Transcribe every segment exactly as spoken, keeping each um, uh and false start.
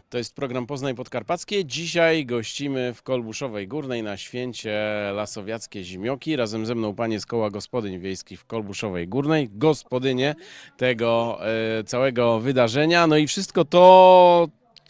To jest program Poznań Podkarpackie. Dzisiaj gościmy w Kolbuszowej Górnej na święcie Lasowiackie Zimioki. Razem ze mną panie z Koła Gospodyń Wiejskich w Kolbuszowej Górnej, gospodynie tego e, całego wydarzenia. No i wszystko to,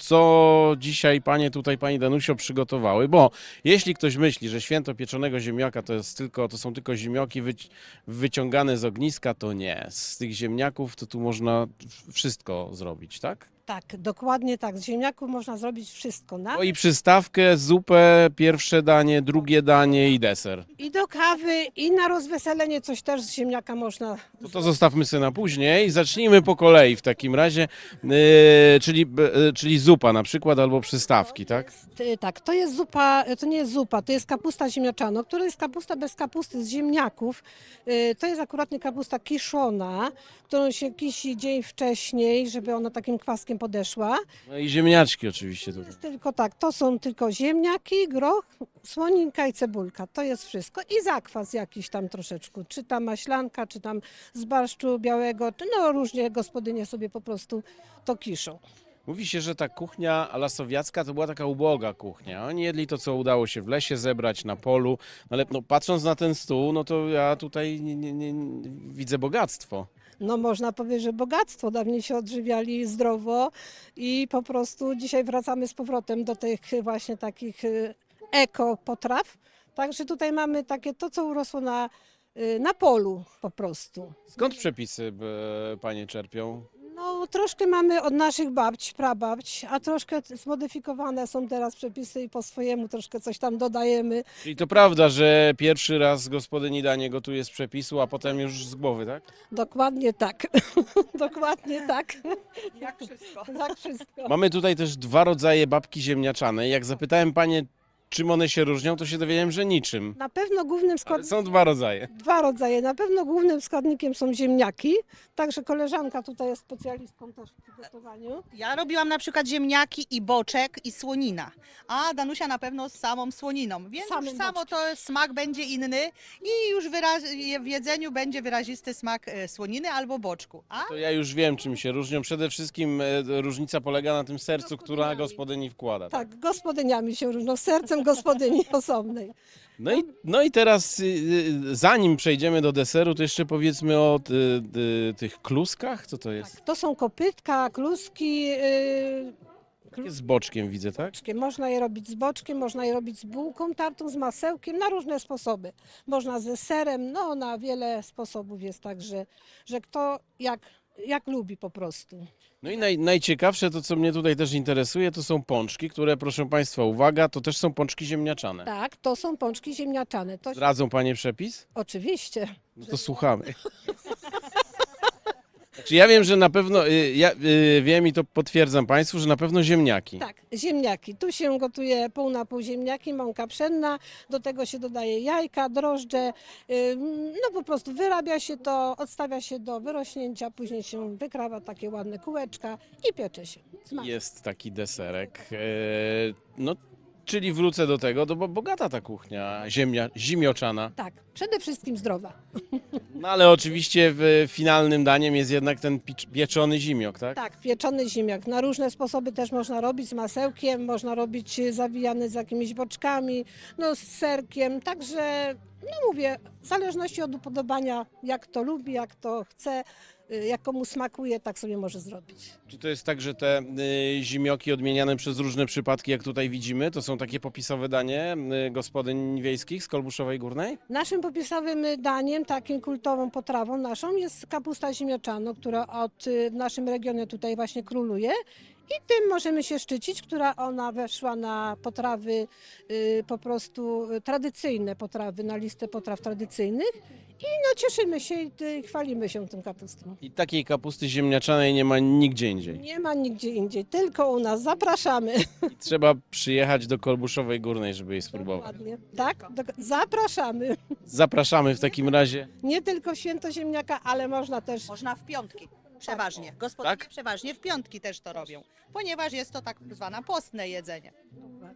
co dzisiaj panie tutaj, pani Danusio, przygotowały, bo jeśli ktoś myśli, że święto pieczonego ziemniaka to jest tylko, to są tylko ziemnioki wyci wyciągane z ogniska, to nie. Z tych ziemniaków to tu można wszystko zrobić, tak? Tak, dokładnie tak. Z ziemniaków można zrobić wszystko. Na... No i przystawkę, zupę, pierwsze danie, drugie danie i deser. I do kawy, i na rozweselenie coś też z ziemniaka można. To, to zostawmy sobie na później. Zacznijmy po kolei w takim razie, yy, czyli, yy, czyli zupa na przykład albo przystawki, tak? Ty- Tak, to jest zupa, to nie jest zupa, to jest kapusta ziemniaczana, która jest kapusta bez kapusty z ziemniaków. Y, To jest akuratnie kapusta kiszona, którą się kisi dzień wcześniej, żeby ona takim kwaskiem podeszła. No i ziemniaczki oczywiście tutaj. Jest tylko tak, to są tylko ziemniaki, groch, słoninka i cebulka. To jest wszystko. I zakwas jakiś tam troszeczkę. Czy tam maślanka, czy tam z barszczu białego, czy no różnie gospodynie sobie po prostu to kiszą. Mówi się, że ta kuchnia lasowiacka to była taka uboga kuchnia. Oni jedli to, co udało się w lesie zebrać, na polu, ale no, patrząc na ten stół, no to ja tutaj nie, nie, nie, widzę bogactwo. No można powiedzieć, że bogactwo. Dawniej się odżywiali zdrowo i po prostu dzisiaj wracamy z powrotem do tych właśnie takich y, eko potraw. Także tutaj mamy takie to, co urosło na, y, na polu po prostu. Skąd przepisy e, panie czerpią? No, troszkę mamy od naszych babć, prababć, a troszkę zmodyfikowane są teraz przepisy i po swojemu troszkę coś tam dodajemy. Czyli to prawda, że pierwszy raz gospodyni danie gotuje z przepisu, a potem już z głowy, tak? Dokładnie tak. Dokładnie tak. Jak wszystko. Tak wszystko. Mamy tutaj też dwa rodzaje babki ziemniaczanej. Jak zapytałem panie, czym one się różnią, to się dowiedziałem, że niczym. Na pewno głównym Ale składnikiem, są dwa rodzaje. dwa rodzaje, na pewno głównym składnikiem są ziemniaki, także koleżanka tutaj jest specjalistką też w przygotowaniu. Ja robiłam na przykład ziemniaki i boczek i słonina, a Danusia na pewno z samą słoniną, więc Samym już samo boczkiem. to smak będzie inny i już wyraz- w jedzeniu będzie wyrazisty smak e, słoniny albo boczku. A To ja już wiem, czym się różnią. Przede wszystkim e, różnica polega na tym sercu, która Gospodyniami. gospodyni wkłada. Tak, gospodyniami się różnią, sercem gospodyni osobnej. No i, no i teraz, y, y, zanim przejdziemy do deseru, to jeszcze powiedzmy o y, y, tych kluskach. Co to jest? Tak, to są kopytka, kluski. Yy, Takie z boczkiem widzę, tak? boczkiem. Można je robić z boczkiem, można je robić z bułką tartą, z masełkiem, na różne sposoby. Można ze serem, no na wiele sposobów jest tak, że, że kto jak, jak lubi po prostu. No i naj, najciekawsze, to co mnie tutaj też interesuje, to są pączki, które, proszę państwa, uwaga, to też są pączki ziemniaczane. Tak, to są pączki ziemniaczane. To Zdradzą panie przepis? oczywiście. No to słuchamy. Znaczy ja wiem, że na pewno, y, ja y, wiem i to potwierdzam państwu, że na pewno ziemniaki. Tak, ziemniaki. Tu się gotuje pół na pół ziemniaki, mąka pszenna, do tego się dodaje jajka, drożdże. ym, No po prostu wyrabia się to, odstawia się do wyrośnięcia, później się wykrawa takie ładne kółeczka i piecze się. Smak. Jest taki deserek. E, no, czyli wrócę do tego, to bo bogata ta kuchnia ziemnia, zimioczana. Tak, przede wszystkim zdrowa. No ale oczywiście w finalnym daniem jest jednak ten picz- pieczony zimiok, tak? Tak, pieczony ziemniak. Na różne sposoby też można robić z masełkiem, można robić y, zawijany z jakimiś boczkami, no z serkiem. Także, no mówię, w zależności od upodobania, jak to lubi, jak to chce, y, jak komu smakuje, tak sobie może zrobić. Czy to jest tak, że te y, zimioki odmieniane przez różne przypadki, jak tutaj widzimy, to są takie popisowe danie y, gospodyń wiejskich z Kolbuszowej Górnej? Naszym popisowym daniem, takim kultową potrawą naszą jest kapusta ziemniaczana, która od, y, w naszym regionie tutaj właśnie króluje. I tym możemy się szczycić, która ona weszła na potrawy y, po prostu y, tradycyjne potrawy, na listę potraw tradycyjnych. I no cieszymy się i y, chwalimy się tym kapustą. I takiej kapusty ziemniaczanej nie ma nigdzie indziej. Nie ma nigdzie indziej, tylko u nas. Zapraszamy. I trzeba przyjechać do Kolbuszowej Górnej, żeby jej spróbować. Dokładnie. Tak, do, zapraszamy. Zapraszamy w takim razie. Nie tylko w święto ziemniaka, ale można też. można w piątki. Przeważnie. Gospodynie Tak? przeważnie w piątki też to robią, ponieważ jest to tak zwane postne jedzenie. Dokładnie.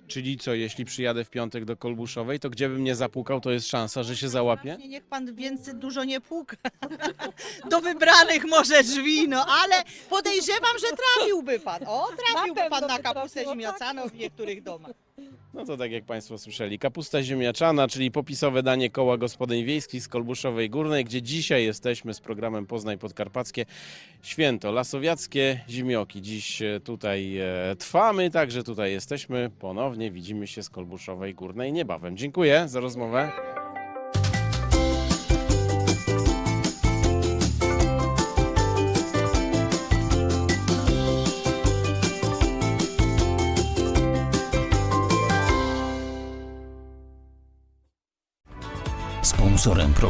Czyli co, jeśli przyjadę w piątek do Kolbuszowej, to gdzie bym nie zapukał, to jest szansa, że się załapie? Właśnie niech pan więcej dużo nie puka. Do wybranych może drzwi, no ale podejrzewam, że trafiłby pan. O, trafiłby Na pewno pan na by kapustę trafiło, ziemniaczaną w niektórych domach. No to tak jak Państwo słyszeli, kapusta ziemniaczana, czyli popisowe danie Koła Gospodyń Wiejskich z Kolbuszowej Górnej, gdzie dzisiaj jesteśmy z programem Poznań Podkarpackie. Święto lasowiackie zimioki. Dziś e, tutaj e, trwamy, także tutaj jesteśmy. Ponownie widzimy się z Kolbuszowej Górnej niebawem. Dziękuję za rozmowę. Sponsorem programu